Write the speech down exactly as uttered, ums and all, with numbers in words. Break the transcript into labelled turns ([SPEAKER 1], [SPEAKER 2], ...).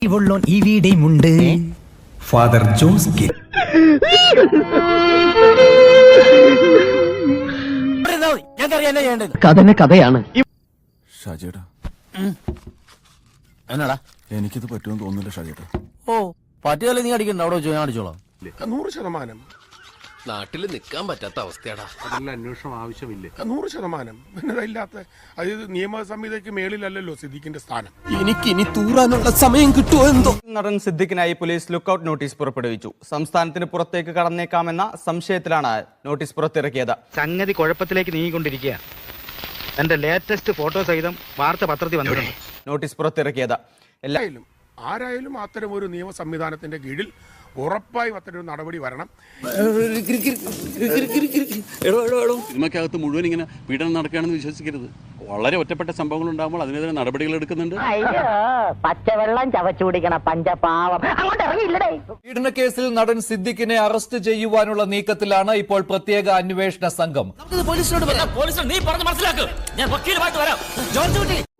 [SPEAKER 1] ഇവിടെയുമുണ്ട് father Jose K.
[SPEAKER 2] കഥനെ കഥയാണ്.
[SPEAKER 3] ഷാജേട്ടാ,
[SPEAKER 4] എന്നാടാ
[SPEAKER 3] എനിക്കിത് പറ്റുമെന്ന് തോന്നുന്നില്ല ഷാജേട്ടാ.
[SPEAKER 4] ഓ പറ്റിയാലേ നീ അടിക്കണ്ട, അവിടെ വെച്ച് ഞാൻ അടിച്ചോളാം.
[SPEAKER 5] നൂറ് ശതമാനം
[SPEAKER 6] നാട്ടിൽ നിൽക്കാൻ പറ്റാത്ത അവസ്ഥയാടാ.
[SPEAKER 5] അതിനുള്ള അന്വേഷണം ആവശ്യമില്ലേ? നൂറ് ശതമാനം ഇല്ലാത്ത അതായത് നിയമ സംഹിതയ്ക്ക് മേളിലല്ലല്ലോ സിദ്ദീഖിന്റെ സ്ഥാനം.
[SPEAKER 6] എനിക്കിനി തൂറാനുള്ള സമയം കിട്ടുമോ എന്തോ.
[SPEAKER 7] നടൻ സിദ്ദിഖിനായി പോലീസ് ലുക്കൌട്ട് നോട്ടീസ് പുറപ്പെടുവിച്ചു. സംസ്ഥാനത്തിന് പുറത്തേക്ക് കടന്നേക്കാമെന്ന സംശയത്തിലാണ് നോട്ടീസ് പുറത്തിറക്കിയത്.
[SPEAKER 8] സംഗതി കുഴപ്പത്തിലേക്ക് നീങ്ങിക്കൊണ്ടിരിക്കുക. എന്റെ ലേറ്റസ്റ്റ് ഫോട്ടോ സഹിതം വാർത്ത പത്രത്തിൽ വന്നിട്ടുണ്ട്.
[SPEAKER 7] നോട്ടീസ് പുറത്തിറക്കിയത്
[SPEAKER 5] എല്ലായാലും ആരായാലും അത്തരം ഒരു നിയമ സംവിധാനത്തിന്റെ കീഴിൽ ഉറപ്പായും അത്തരം നടപടി വരണം.
[SPEAKER 9] സിനിമയ്ക്കകത്ത് മുഴുവൻ ഇങ്ങനെ പീഡനം നടക്കുകയാണെന്ന് വിശ്വസിക്കരുത്. വളരെ ഒറ്റപ്പെട്ട സംഭവങ്ങൾ ഉണ്ടാകുമ്പോൾ അതിനെതിരെ നടപടികൾ എടുക്കുന്നുണ്ട്.
[SPEAKER 2] പച്ചവെള്ളം ചവച്ചു കുടിക്കണ പഞ്ചപാവം അങ്ങോട്ട് ഇറങ്ങിയില്ലടേ.
[SPEAKER 10] പീഡനക്കേസിൽ നടൻ സിദ്ദിഖിനെ അറസ്റ്റ് ചെയ്യുവാനുള്ള നീക്കത്തിലാണ് ഇപ്പോൾ പ്രത്യേക അന്വേഷണ സംഘം.
[SPEAKER 4] പോലീസിനോട് പോലീസിനോട് നീ പറഞ്ഞ് മനസ്സിലാക്കും. ഞാൻ വക്കീലുമായിട്ട് വരാം. ജോർജ് കുട്ടി